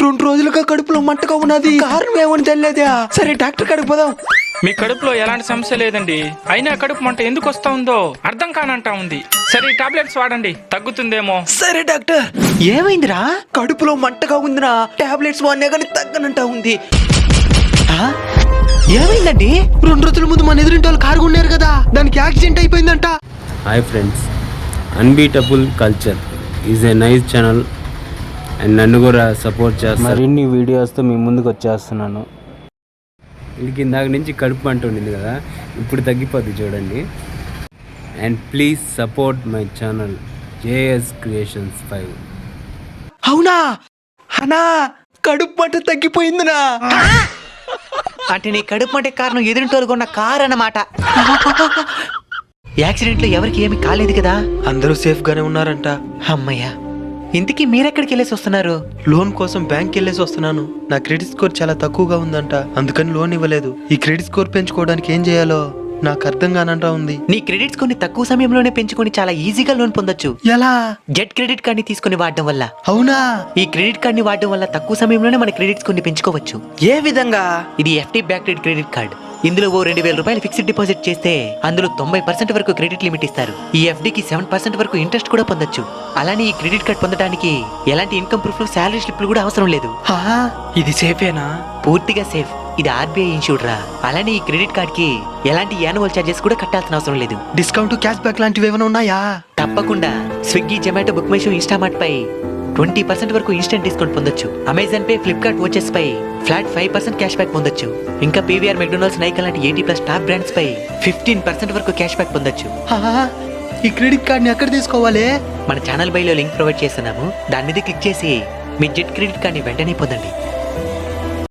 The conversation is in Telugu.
2 రోజులుగా కడుపులో మంటగా ఉన్నది. కారణం ఏమని తెలియదా? సరే డాక్టర్ కాడికి పోదాం. మీ కడుపులో ఎలాంటి సమస్య లేదండి, అయినా కడుపు మంట ఎందుకు వస్తా ఉందో అర్థం కానంటా ఉంది. సరే టాబ్లెట్స్ వాడండి, తగ్గుతుందేమో. సరే డాక్టర్. ఏమైందిరా? కడుపులో మంటగా ఉందిరా. టాబ్లెట్స్ వాడినా కానీ తగ్గనంటా ఉంది. ఏమైందండి? 2 రోజుల ముందు మన ఎదురింటి వాళ్ళు కారు ఉన్నారు కదా, దానికి యాక్సిడెంట్ అయిపోయిందంట. Hi friends, unbeatable culture is a nice channel and నన్ను కూడా సపోర్ట్ చేస్తారు. మరిన్ని వీడియోస్తో మీ ముందుకు వచ్చేస్తున్నాను. వీడికి ఇందాక నుంచి కడుపు అంటూ ఉండింది కదా, ఇప్పుడు తగ్గిపోద్ది చూడండి. And please support my channel JS creations 5. అవునా అనా? కడుపు మంట తగ్గిపోయిందినా? అంటే నీ కడుపు మంటే కారణం ఎదురింటోళ్ళు కొన్న కారు అన్నమాట. యాక్సిడెంట్ లో ఎవరికి ఏమి కాలేదు కదా? అందరూ సేఫ్ గానే ఉన్నారంట. అమ్మయ్యా. ఇంతకీ మీరెక్కడికి వెళ్ళేసి వస్తున్నారు? లోన్ కోసం బ్యాంక్ వెళ్ళేసి వస్తున్నాను. నా క్రెడిట్ స్కోర్ చాలా తక్కువగా ఉందంట, అందుకని లోన్ ఇవ్వలేదు. ఈ క్రెడిట్ స్కోర్ పెంచుకోవడానికి ఏం చేయాలో నాకు అర్థం కానంటా ఉంది. నీ క్రెడిట్స్ కొన్ని తక్కువ సమయంలోనే పెంచుకొని చాలా ఈజీగా లోన్ పొందొచ్చు. ఎలా? గెట్ క్రెడిట్ కార్డ్ ని తీసుకుని వాడడం వల్ల. అవునా? ఈ క్రెడిట్ కార్డ్ ని వాడడం వల్ల తక్కువ సమయంలోనే మన క్రెడిట్స్ కొన్ని పెంచుకోవచ్చు. ఏ విధంగా? ఇది ఎఫ్టీ బ్యాక్డ్ క్రెడిట్ కార్డ్. ఇందులో ఓ 2,000 రూపాయలు ఫిక్స్డ్ డిపాజిట్ చేస్తే అందులో 90% వరకు క్రెడిట్ లిమిట్ ఇస్తారు. ఈ ఎఫ్డీకి 7% వరకు ఇంట్రెస్ట్ కూడా పొందొచ్చు. అలానే ఈ క్రెడిట్ కార్డ్ పొందడానికి ఎలాంటి ఇన్కమ్ ప్రూఫ్, శాలరీ స్లిప్లు కూడా అవసరం లేదు. ఇది సేఫేనా? పూర్తిగా సేఫ్. ఇది ఆర్బీఐ ఇన్సూర్డ్ రా. అలానే ఈ క్రెడిట్ కార్డ్ కి ఎలాంటి యాన్యువల్ చార్జెస్ కూడా కట్టాల్సిన అవసరం లేదు. డిస్కౌంట్, క్యాష్ బ్యాక్ లాంటివి ఏమైనా ఉన్నాయా? తప్పకుండా. Swiggy, Zomato, book my show, Instamart పై 20% వరకు ఇన్స్టెంట్ డిస్కౌంట్ పొందొచ్చు. అమెజాన్ పే, ఫ్లిప్కార్ట్ వాచెస్ పై ఫ్లాట్ 5% క్యాష్ బ్యాక్ పొందొచ్చు. ఇంకా పీవీఆర్, మెక్డొనాల్డ్స్, నైకా లాంటి 80+ టాప్ బ్రాండ్స్ పై 15% వరకు క్యాష్ బ్యాక్ పొందొచ్చు. ఈ క్రెడిట్ కార్డ్ ని ఎక్కడ తీసుకోవాలి? మన ఛానల్ బైలో లింక్ ప్రొవైడ్ చేస్తున్నాము. దాని మీద క్లిక్ చేసి మీ జెట్ క్రెడిట్ కార్డ్ ని వెంటనే పొందండి.